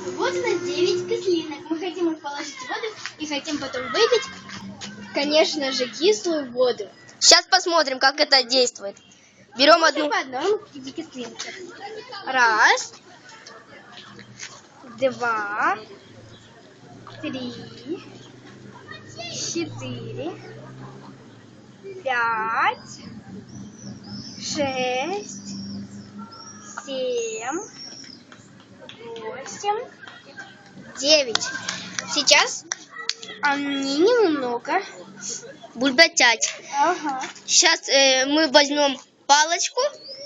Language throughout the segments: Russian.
Вот у нас 9 кислинок. Мы хотим их положить в воду и хотим потом выпить, конечно же, кислую воду. Сейчас посмотрим, как это действует. Берем одну. По одной кислинке. Раз, два, три, 4, 5, 6, 7, 8, 9. Сейчас они немного Бульбатять. Ага. Сейчас мы возьмем палочку.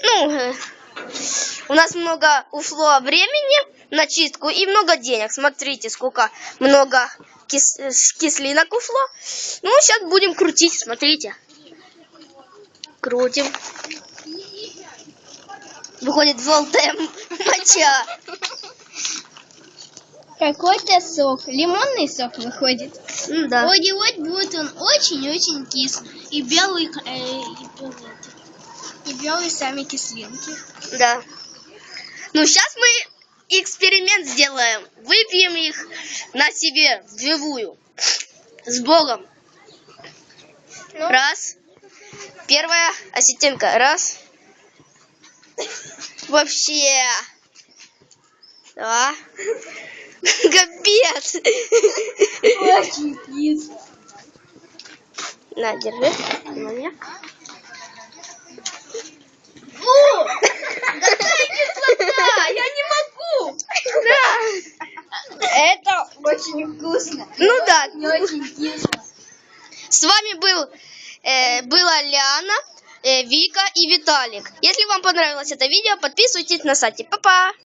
У нас много ушло времени на чистку и много денег. Смотрите, сколько много кислинок ушло. Сейчас будем крутить, смотрите. Крутим. Выходит желтая моча. Какой-то сок, лимонный сок выходит. Да. Вот будет он очень-очень кислый. И белый, и белые сами кислинки. Да. Сейчас мы эксперимент сделаем. Выпьем их на себе вживую. С Богом. Раз. Первая осетинка. Раз. Вообще. Два. Капец. Очень кислый. На, держи. Внимание. О! Какая кислота! Я не могу! Да. Это очень вкусно. Да. Не очень кисло. С вами была Ляна, Вика и Виталик. Если вам понравилось это видео, подписывайтесь на сайте. Па-па!